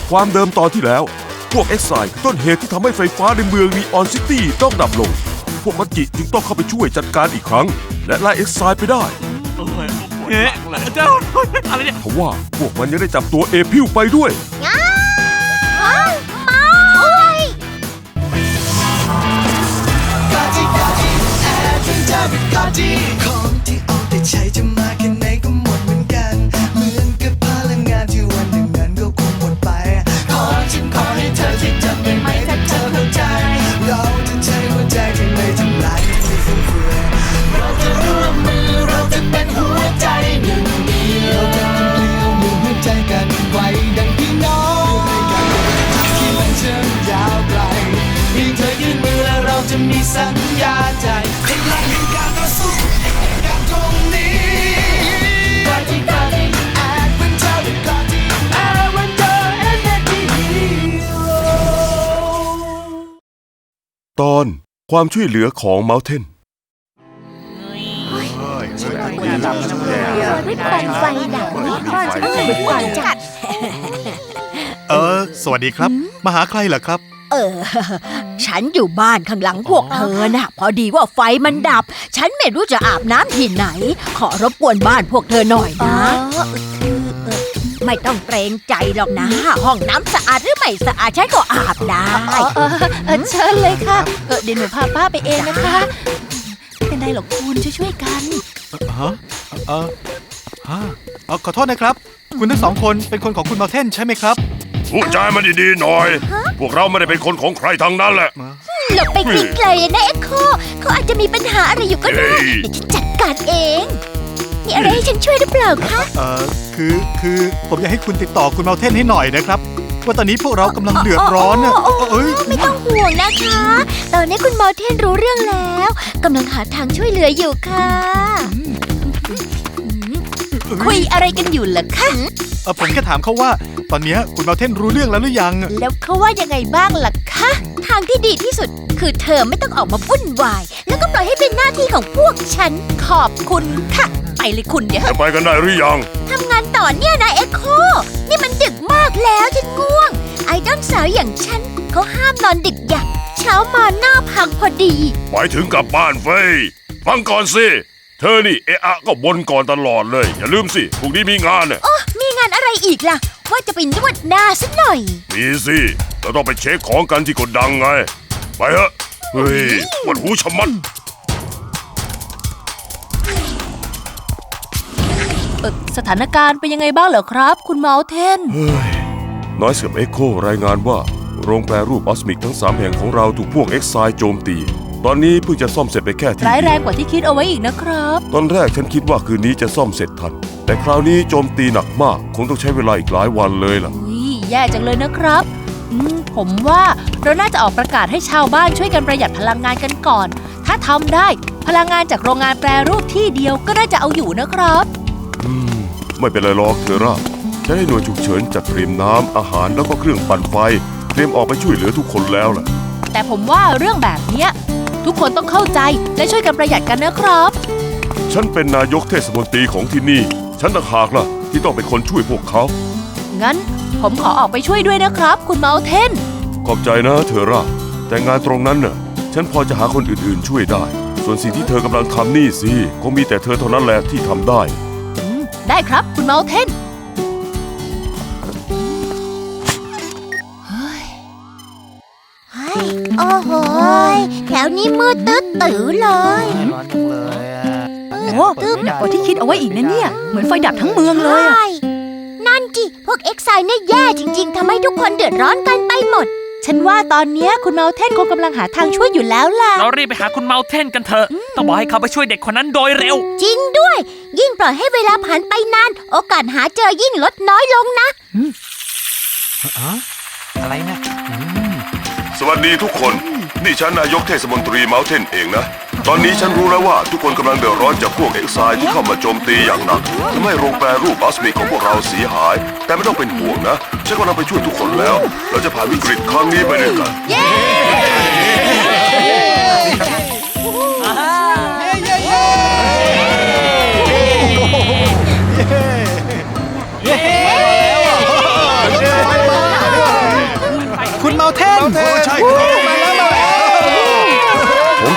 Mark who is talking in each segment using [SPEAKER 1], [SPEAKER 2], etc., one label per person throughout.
[SPEAKER 1] ความเดิมตอนที่แล้วพวกเอ็กไซด์ต้นเหตุที่ทำให้ไฟฟ้าในเมืองนีออนซิตี้ต้องดับลงพวกมัจจิจึงต้องเข้าไปช่วยจัดการอีกครั้งและไล่เอ็กไซด์ไปได้
[SPEAKER 2] เจ้าอะไรเนี่ย
[SPEAKER 1] เพราะว่าพวกมันยังได้จับตัวเอพิวไปด้วย
[SPEAKER 3] ของที่เอาแต่ใช้จะมาแค่ไหนก็หมดเหมือนกันเหมือนกับพลังงานที่วันหนึ่งนั้นก็คงหมดไปฉันขอให้เธอที่จำได้ไหมถ้าเธอเข้าใจเราจะใช้หัวใจที่ไม่ทำลายไม่ฟุ่มเฟือยเราจะร่วมมือเราจะเป็นหัวใจหนึ่งเดียวเราจะทำเลี้ยวมือหัวใจกันไว้ดังพี่น้องที่มันเชื่อมยาวไกลเพียงเธอยื่นมือและเราจะมีสัญญาใจพลังแห่งการต่อสู้การตรงนี้กอที่กอที่แอดเวนเจอร์กอที่แอดเวนเจอร์เอ็นเอ็นดี
[SPEAKER 1] ตอนความช่วยเหลือของเมาเทน
[SPEAKER 4] ไฟดับก่อนจัด
[SPEAKER 5] สวัสดีครับมาหาใครเหรอครับ
[SPEAKER 4] ฉันอยู่บ้านข้างหลังพวกเธอน่ะพอดีว่าไฟมันดับฉันไม่รู้จะอาบน้ำที่ไหนขอรบกวนบ้านพวกเธอหน่อยนะไม่ต้องเกรงใจหรอกนะห้องน้ำสะอาดหรือไม่สะอาดฉันก็อาบได้
[SPEAKER 6] เชิญเลยค่ะเดี๋ยวหนูพาป้าไปเองนะคะไม่เป็นไรหรอกคุณช่วยกัน
[SPEAKER 5] ขอโทษนะครับคุณทั้งสองคนเป็นคนของคุณมาเทนใช่ไหมครับ
[SPEAKER 1] พูดจามันดีๆหน่อยพวกเราไม่ได้เป็นคนของใครทั้งนั้นแหละ
[SPEAKER 4] หลบไปไกลๆนะเอ็กโคเขาอาจจะมีปัญหาอะไรอยู่ก็ได้เดี๋ยวฉันจัดการเองมีอะไรให้ฉันช่วยหรือเปล่าคะ
[SPEAKER 5] คือผมอยากให้คุณติดต่อคุณมาเทนให้หน่อยนะครับว่าตอนนี้พวกเรากำลังเดือดร้อนนะ
[SPEAKER 4] ไม่ต้องห่วงนะคะตอนนี้คุณมาเทนรู้เรื่องแล้วกำลังหาทางช่วยเหลืออยู่ค่ะ
[SPEAKER 6] คุยอะไรกันอยู่ล่ะคะ
[SPEAKER 5] ผมแค่ถามเขาว่าตอนนี้คุณมาเทนรู้เรื่องแล้วหรือยัง
[SPEAKER 4] แล้วเขาว่ายังไงบ้างล่ะคะทางที่ดีที่สุดคือเธอไม่ต้องออกมาวุ่นวายแล้วก็ปล่อยให้เป็นหน้าที่ของพวกฉันขอบคุณค่ะไปเลยคุณเดี๋ยว
[SPEAKER 1] จะไปกันได้หรือยัง
[SPEAKER 4] ทำงานต่อเนี่ยนะเอ็กโคนี่มันดึกมากแล้วฉันง่วงไอดอลสาวอย่างฉันเขาห้ามนอนดึกอย่างเช้ามาหน้าพังพอดี
[SPEAKER 1] หมายถึงกลับบ้านเฟ้ยฟังก่อนสิเธอนี่ก็บ่นก่อนตลอดเลยอย่าลืมสิพรุ่งนี้มีงานเนี่ย
[SPEAKER 4] มีงานอะไรอีกล่ะว่าจะไปนวดหน้าสักหน่อย
[SPEAKER 1] มีสิเราต้องไปเช็คของกันที่โกดังไงไปเถอะเฮ้ยปวดหูชะมัด
[SPEAKER 6] สถานการณ์เป็นยังไงบ้างเหรอครับคุณเมาเทน
[SPEAKER 1] น้อยเสือเอ็กโครายงานว่าโรงแปรรูปออสมิกทั้ง3แห่งของเราถูกพวกเอ็กไซด์โจมตีตอนนี้เพิ่งจะซ่อมเสร็จไปแค่ที่
[SPEAKER 6] ร้ายแรงกว่าที่คิดเอาไว้อีกนะครับ
[SPEAKER 1] ตอนแรกฉันคิดว่าคืนนี้จะซ่อมเสร็จทันแต่คราวนี้โจมตีหนักมากคงต้องใช้เวลาอีกหลายวันเลยล่ะ
[SPEAKER 6] แย่จังเลยนะครับผมว่าเราน่าจะออกประกาศให้ชาวบ้านช่วยกันประหยัดพลังงานกันก่อนถ้าทำได้พลังงานจากโรงงานแปรรูปที่เดียวก็น่าจะเอาอยู่นะครับ
[SPEAKER 1] ไม่เป็นไรหรอกเธอร่าฉันให้หน่วยฉุกเฉินจัดเตรียมน้ำอาหารแล้วก็เครื่องปั่นไฟเตรียมออกไปช่วยเหลือทุกคนแล้วล่ะ
[SPEAKER 6] แต่ผมว่าเรื่องแบบนี้ทุกคนต้องเข้าใจและช่วยกันประหยัดกันนะครับ
[SPEAKER 1] ฉันเป็นนายกเทศมนตรีของที่นี่ฉันต่างหากล่ะที่ต้องเป็นคนช่วยพวกเขา
[SPEAKER 6] งั้นผมขอออกไปช่วยด้วยนะครับคุณเมาเทน
[SPEAKER 1] ขอบใจนะเธอร่าแต่งานตรงนั้นน่ะฉันพอจะหาคนอื่นๆช่วยได้ส่วนสิ่งที่เธอกำลังทำนี่สิคงมีแต่เธอเท่านั้นแหละที่ทำได้
[SPEAKER 6] ได้ครับคุณเมาเทน
[SPEAKER 4] โอ้โหแถวนี้มืดตึ๊ดตื้อเลย
[SPEAKER 5] ร้อนจังเลย
[SPEAKER 6] โอ้หนักกว่าที่คิดเอาไว้อีกนะเนี่ยเหมือนไฟดับทั้งเมืองเลย
[SPEAKER 4] นั่นจิพวกเอ็กไซน์เนี่ยแย่จริงๆทำให้ทุกคนเดือดร้อนกันไปหมด
[SPEAKER 6] ฉันว่าตอนนี้คุณเมาเทนคงกำลังหาทางช่วยอยู่แล้วล่ะ
[SPEAKER 2] เรารีบไปหาคุณเมาเทนกันเถอะต้องบอกให้เขาไปช่วยเด็กคนนั้นโดยเร็ว
[SPEAKER 4] จริงด้วยยิ่งปล่อยให้เวลาผ่านไปนานโอกาสหาเจอยิ่งลดน้อยลงนะ
[SPEAKER 5] อะไรนะ
[SPEAKER 1] สวัสดีทุกคนนี่ฉันนายกเทศมนตรีเมาเทนเองนะตอนนี้ฉันรู้แล้วว่าทุกคนกำลังเดือดร้อนจากพวกเอ็กไซด์ที่เข้ามาโจมตีอย่างหนักทำให้โรงแปรรูปออสมิกของพวกเราเสียหายแต่ไม่ต้องเป็นห่วงนะฉันกำลังไปช่วยทุกคนแล้วเราจะผ่านวิกฤตครั้งนี้ไปด้วยกัน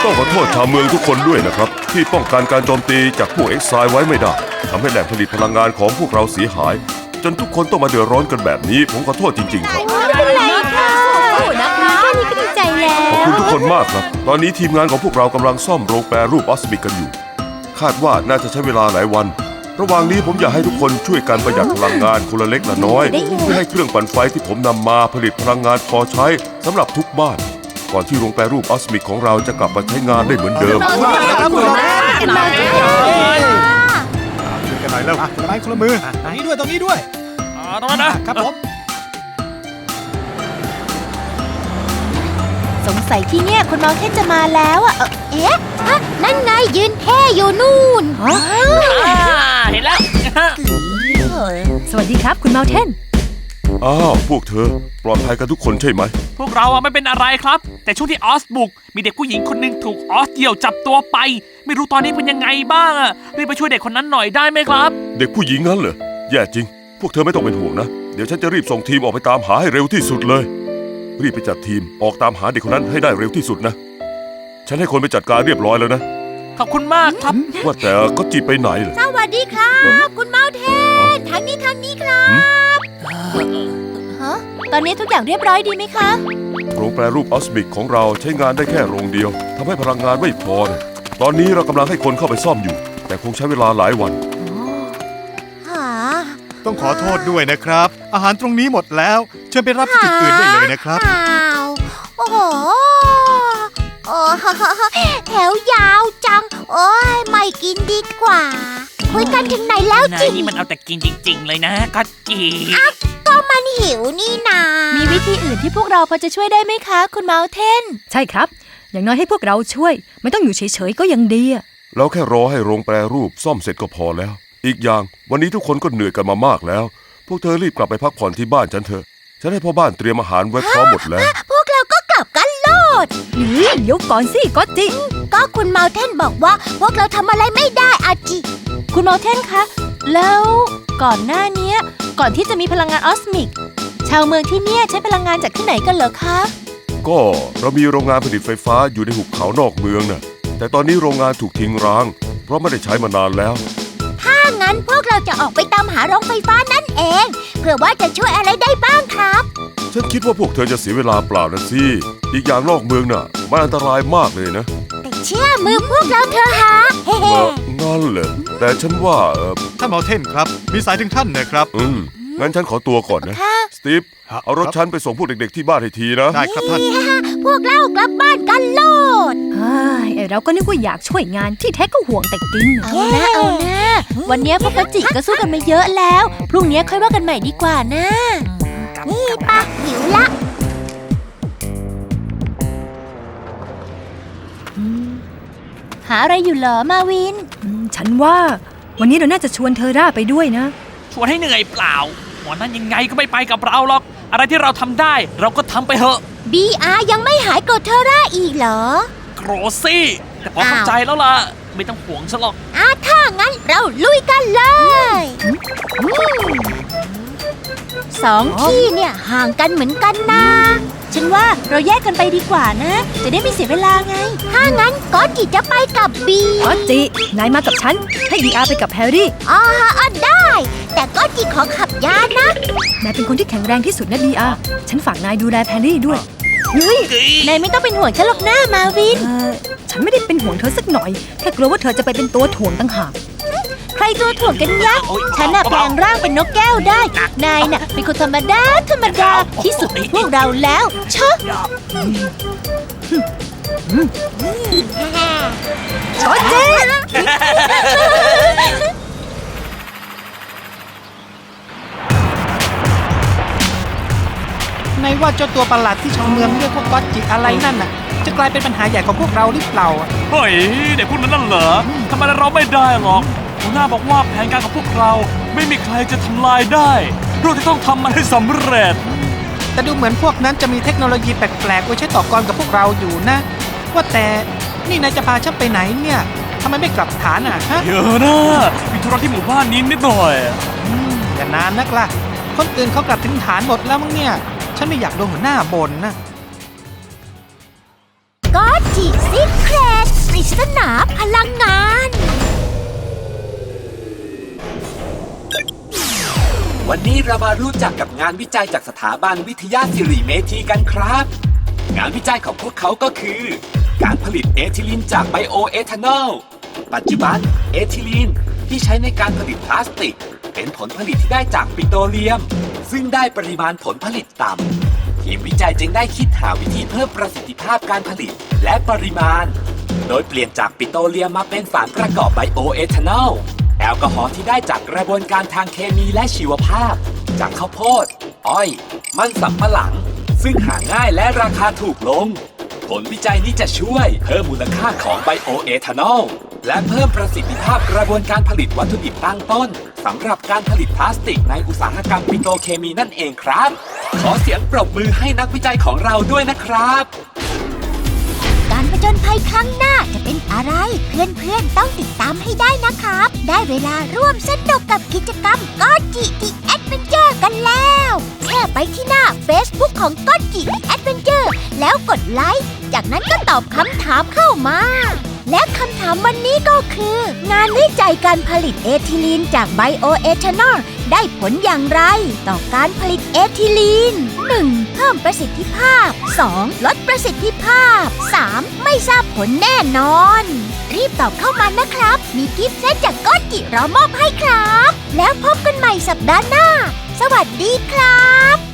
[SPEAKER 1] ต้องขอโทษชาวเมืองทุกคนด้วยนะครับที่ป้องกันการโจมตีจากพวกเอ็กไซไว้ไม่ได้ทำให้แหล่งผลิตพลังงานของพวกเราเสียหาย จนทุกคนต้องมาเดือดร้อนกันแบบนี้ผมขอโทษจริงๆครับ
[SPEAKER 6] ไม่เป็นไรค่ะนะคะแค่นี้ก็ดีใจแล้
[SPEAKER 1] ขอบ
[SPEAKER 6] ว
[SPEAKER 1] คุณทุกคนมากครับ ตอนนี้ทีมงานของพวกเรากำลังซ่อมโรงแปรรูปออสมิกกันอยู่ คาดว่าน่าจะใช้เวลาหลายวัน ระหว่างนี้ผมอยากให้ทุกคนช่วยกันประหยัดพลังงานคนละเล็กละน้อย เพื่อให้เครื่องปั่นไฟที่ผมนำมาผลิตพลังงานพอใช้สำหรับทุกบ้าน ก่อนที่โรงแปรรูปออสมิกของเราจะกลับมาใช้งานได้เหมือนเดิม
[SPEAKER 5] ครับคุณเราเท่น
[SPEAKER 6] กันมาด้วย
[SPEAKER 5] ช่วยกันหน่อยแล้วคนละไม้คนละมือตรงนี้ด้วยตรงนี้ด้วย
[SPEAKER 2] ตรงนั้นนะครับ
[SPEAKER 5] ผม
[SPEAKER 6] สงสัยที่เนี่ยคุณเมาเทนจะมาแล้วอ่ะ
[SPEAKER 4] เอ๊ะฮะนั่นไงยืนเท่อยู่นู่น
[SPEAKER 2] เห็นแล้ว
[SPEAKER 6] สวัสดีครับคุณเมาเทน
[SPEAKER 1] อ้าวพวกเธอปลอดภัยกันทุกคนใช่ไหม
[SPEAKER 2] พวกเราไม่เป็นอะไรครับ แต่ช่วงที่ออสบุกมีเด็กผู้หญิงคนหนึ่งถูกออสเดี่ยวจับตัวไป ไม่รู้ตอนนี้เป็นยังไงบ้างอะรีบไปช่วยเด็กคนนั้นหน่อยได้ไหมครับ
[SPEAKER 1] เด็กผู้หญิงงั้นเหรอแย่จริง พวกเธอไม่ต้องเป็นห่วงนะเดี๋ยวฉันจะรีบส่งทีมออกไปตามหาให้เร็วที่สุดเลย รีบไปจัดทีมออกตามหาเด็กคนนั้นให้ได้เร็วที่สุดนะฉันให้คนไปจัดการเรียบร้อยแล้วนะ
[SPEAKER 2] ขอบคุณมากครับ
[SPEAKER 1] ว่าแต่ก็จีไปไหนเหรอ
[SPEAKER 4] สวัสดีครับ คุณเมาเทนทางนี้ครับ
[SPEAKER 6] ฮะ ตอนนี้ทุกอย่างเรียบร้อยดีไหมคะ
[SPEAKER 1] โรงแปรรูปออสมิกของเราใช้งานได้แค่โรงเดียวทำให้พลังงานไม่พอนะตอนนี้เรากำลังให้คนเข้าไปซ่อมอยู่ แต่คงใช้เวลาหลายวัน
[SPEAKER 4] หา
[SPEAKER 5] ต้องขอโทษด้วยนะครับ อาหารตรงนี้หมดแล้ว เชิญไปรับที่จุดอื่นได้เลยนะครับ
[SPEAKER 4] อ้าวโอ้โหโอ้แถวยาวจัง โอ้ยไม่กินดีกว่า คุยกันถึงไหนแล้ว
[SPEAKER 2] นา
[SPEAKER 4] จริ
[SPEAKER 2] ย
[SPEAKER 4] ง
[SPEAKER 2] นี่มันเอาแต่กินจริง ๆ เลยนะก็จี
[SPEAKER 4] ก็มันหิวนี่นา
[SPEAKER 6] มีวิธีอื่นที่พวกเราพอจะช่วยได้ไหมคะ คุณเมาเทน
[SPEAKER 7] ใช่ครับ อย่างน้อยให้พวกเราช่วย ไม่ต้องอยู่เฉยๆก็ยังดีอะ
[SPEAKER 1] เราแค่รอให้โรงแปรรูปซ่อมเสร็จก็พอแล้ว อีกอย่างวันนี้ทุกคนก็เหนื่อยกันมามากแล้ว พวกเธอรีบกลับไปพักผ่อนที่บ้านฉันเถอะฉันให้พ่อบ้านเตรียมอาหารไว้พร้อมหมดแล้ว
[SPEAKER 4] พวกเราก็กลับกันโลด
[SPEAKER 7] เฮ้ยเดี๋ยวก่อนสิก็จิ
[SPEAKER 4] ก็คุณเมาเทนบอกว่า พวกเราทำอะไรไม่ได้อาจิ
[SPEAKER 6] คุณเมาเทนคะ แล้วก่อนหน้าเนี้ยก่อนที่จะมีพลังงานออสมิก ชาวเมืองที่เนี่ยใช้พลังงานจากที่ไหนกันเหรอคะ
[SPEAKER 1] ก็เรามีโรงงานผลิตไฟฟ้าอยู่ในหุบเขานอกเมืองน่ะแต่ตอนนี้โรงงานถูกทิ้งร้าง เพราะไม่ได้ใช้มานานแล้ว
[SPEAKER 4] ถ้างั้นพวกเราจะออกไปตามหาโรงไฟฟ้านั่นเองเพื่อว่าจะช่วยอะไรได้บ้างครับ
[SPEAKER 1] ฉันคิดว่าพวกเธอจะเสียเวลาเปล่านะสิอีกอย่างนอกเมืองน่ะมันอันตรายมากเลยนะ
[SPEAKER 4] แต่เชื่อมือพวกเราเธอะฮะเฮ้
[SPEAKER 1] งั้นเหรอแต่ฉันว่า
[SPEAKER 5] ท่านเมาเทนครับ มีสายถึงท่านนะครับ
[SPEAKER 1] งั้นฉันขอตัวก่อนนะสตีฟเอารถฉันไปส่งพวกเด็กๆที่บ้านให้ทีนะ
[SPEAKER 5] ได้ครับท่าน
[SPEAKER 4] พวกเรากลับบ้านกันโลด
[SPEAKER 7] เฮ้ยไอ้เราก็นึกว่าอยากช่วยงานที่แท้ก็ห่วงแต่กินน่ะ
[SPEAKER 6] เอานะเอานะ วันเนี้ยพวกกะจิก็สู้กันมาเยอะแล้ว พรุ่งนี้ค่อยว่ากันใหม่ดีกว่านะ
[SPEAKER 4] นี่ปะหิวละ
[SPEAKER 6] หาอะไรอยู่เหรอมาวิน
[SPEAKER 7] ฉันว่าวันนี้เราน่าจะชวนเธอร่าไปด้วยนะ
[SPEAKER 2] ชวนให้เหนื่อยเปล่าหมอนั้นยังไงก็ไม่ไปกับเราหรอก อะไรที่เราทำได้เราก็ทำไปเถอะ
[SPEAKER 4] BR ยังไม่หายโกรธเทอร่าอีกเหรอ
[SPEAKER 2] โกรธสิแต่พอเข้าใจแล้วล่ะ ไม่ต้องห่วงฉันหรอก
[SPEAKER 4] ถ้างั้นเราลุยกันเลยสองที่เนี่ยห่างกันเหมือนกันนะ
[SPEAKER 6] ฉันว่าเราแยกกันไปดีกว่านะ จะได้ไม่เสียเวลาไง
[SPEAKER 4] ถ้างั้นก็จิจะไปกับบี
[SPEAKER 7] ก็จิ นายมากับฉัน ให้ดีอาไปกับแฮร์รี่
[SPEAKER 4] ได้ แต่ก็จิขอขับยานนะ
[SPEAKER 7] นายเป็นคนที่แข็งแรงที่สุดนะดีอาฉันฝากนายดูแลแฮร์รี่ด้วย เฮ้ย
[SPEAKER 6] นายไม่ต้องเป็นห่วงฉันหรอกนะมาวิน
[SPEAKER 7] ฉันไม่ได้เป็นห่วงเธอสักหน่อย แค่กลัวว่าเธอจะไปเป็นตัวถ่วงต่างหาก
[SPEAKER 6] ใครตัวถ่วงกันยะ
[SPEAKER 2] โอ๊ย
[SPEAKER 6] ฉันน่ะแปลงร่างเป็นนกแก้วได้ นายน่ะเป็นคนธรรมดาที่สุดในพวกเราแล้วเชอะ
[SPEAKER 8] ในว่าเจ้าตัวประหลาดที่ชาวเมืองเรียกว่าก๊อตจิอะไรนั่นน่ะ จะกลายเป็นปัญหาใหญ่ของพวกเราหรือเปล่าอะ
[SPEAKER 2] เฮ้ยเด็กพวกนั้นน่ะเหรอทำไมเราไม่ได้หรอกหัวหน้าบอกว่าแผนการของพวกเราไม่มีใครจะทำลายได้เราจะต้องทำมันให้สำเร็จ
[SPEAKER 8] แต่ดูเหมือนพวกนั้นจะมีเทคโนโลยีแปลกๆไว้ใช้ต่อกรกับพวกเราอยู่นะ ว่าแต่นี่นายจะพาฉันไปไหนเนี่ยทำไมไม่กลับฐานอ่ะฮะ
[SPEAKER 2] เยอะนะมีธุระที่หมู่บ้านนี้นิดหน่อย
[SPEAKER 8] อย่านานนักล่ะ คนอื่นเขากลับถึงฐานหมดแล้วมั้งเนี่ย ฉันไม่อยากโดนหัวหน้าบ่นนะ
[SPEAKER 4] ก็จิซิกเครตศนาพลังงาน
[SPEAKER 9] วันนี้เรามารู้จักกับงานวิจัยจากสถาบันวิทยาสิริเมธีกันครับ งานวิจัยของพวกเขาก็คือ การผลิตเอทิลีนจากไบโอเอทานอล ปัจจุบันเอทิลีนที่ใช้ในการผลิตพลาสติก เป็นผลผลิตที่ได้จากปิโตรเลียม ซึ่งได้ปริมาณผลผลิตต่ำทีมวิจัยจึงได้คิดหาวิธีเพิ่มประสิทธิภาพการผลิตและปริมาณ โดยเปลี่ยนจากปิโตรเลียมมาเป็นสารประกอบไบโอเอทานอล แอลกอฮอล์ที่ได้จากกระบวนการทางเคมีและชีวภาพ จากข้าวโพด อ้อย มันสำปะหลัง ซึ่งหาง่ายและราคาถูกลง ผลวิจัยนี้จะช่วยเพิ่มมูลค่าของไบโอเอทานอล และเพิ่มประสิทธิภาพกระบวนการผลิตวัตถุดิบตั้งต้นสำหรับการผลิตพลาสติกในอุตสาหกรรมปิโตรเคมีนั่นเองครับ ขอเสียงปรบมือให้นักวิจัยของเราด้วยนะครับ
[SPEAKER 4] การผจญภัยครั้งหน้าจะเป็นอะไร เพื่อนๆต้องติดตามให้ได้นะครับ ได้เวลาร่วมสนุกกับกิจกรรมก็จิดิแอดเวนเจอร์กันแล้วแค่ไปที่หน้า Facebook ของก็จิดิแอดเวนเจอร์แล้วกดไลค์จากนั้นก็ตอบคำถามเข้ามา และคำถามวันนี้ก็คือ งานวิจัยการผลิตเอทิลีนจากไบโอเอทานอลได้ผลอย่างไรต่อการผลิตเอทิลีน 1. เพิ่มประสิทธิภาพ 2. ลดประสิทธิภาพ 3. ไม่ทราบผลแน่นอน รีบตอบเข้ามานะครับ มีกิฟต์เซตจากก็จิรอมอบให้ครับ แล้วพบกันใหม่สัปดาห์หน้า สวัสดีครับ